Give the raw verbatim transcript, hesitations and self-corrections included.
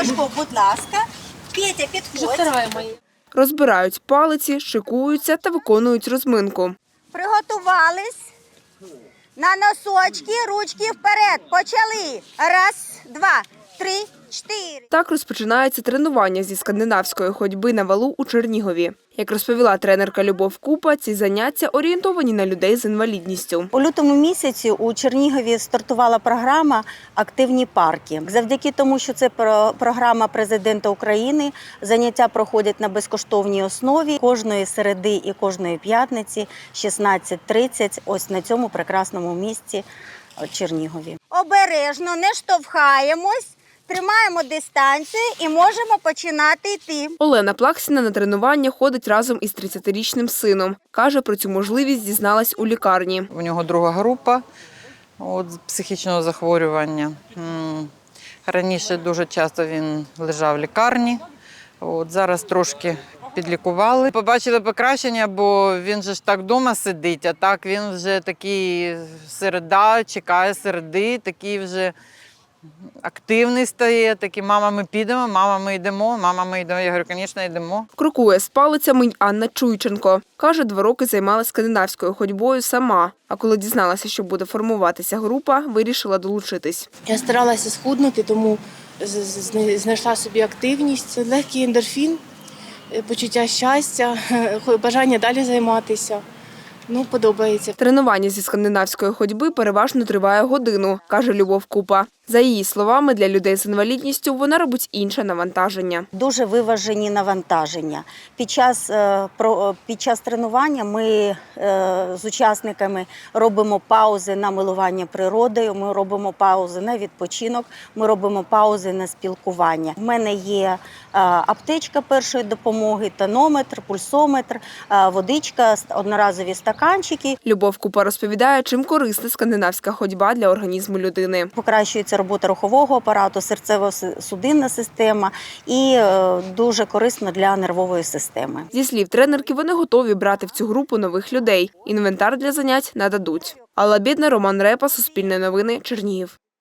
Сашко, будь ласка. Петя, підходь. Розбирають палиці, шикуються та виконують розминку. Приготувались. На носочки, ручки вперед. Почали. Раз, два, три, чотири. Так розпочинається тренування зі скандинавської ходьби на валу у Чернігові. Як розповіла тренерка Любов Купа, ці заняття орієнтовані на людей з інвалідністю. У лютому місяці у Чернігові стартувала програма «Активні парки». Завдяки тому, що це програма президента України, заняття проходять на безкоштовній основі кожної середи і кожної п'ятниці шістнадцять тридцять ось на цьому прекрасному місці Чернігові. Обережно, не штовхаємось. Тримаємо дистанцію і можемо починати йти. Олена Плаксіна на тренування ходить разом із тридцятирічним сином. Каже, про цю можливість дізналась у лікарні. У нього друга група от, психічного захворювання. Раніше дуже часто він лежав в лікарні, от, зараз трошки підлікували. Побачили покращення, бо він же ж так вдома сидить, а так він вже такий середа, чекає середи, такий вже активний стає, такий, мама, ми підемо, мама, ми йдемо, мама, ми йдемо. Я говорю, звісно, йдемо. Крокує з палицями й Анна Чуйченко. Каже, два роки займалася скандинавською ходьбою сама. А коли дізналася, що буде формуватися група, вирішила долучитись. Я старалася схуднути, тому знайшла собі активність. Це легкий ендорфін, почуття щастя, бажання далі займатися. Ну, подобається. Тренування зі скандинавської ходьби переважно триває годину, каже Любов Купа. За її словами, для людей з інвалідністю вона робить інше навантаження. Дуже виважені навантаження. Під час, під час тренування ми з учасниками робимо паузи на милування природою, ми робимо паузи на відпочинок, ми робимо паузи на спілкування. У мене є аптечка першої допомоги, тонометр, пульсометр, водичка, одноразові стаканчики. Любов Купа розповідає, чим корисна скандинавська ходьба для організму людини. Покращується робота рухового апарату, серцево-судинна система і дуже корисно для нервової системи. Зі слів тренерки, вони готові брати в цю групу нових людей. Інвентар для занять нададуть. Алла Бєдна, Роман Репа, Суспільне новини, Чернігів.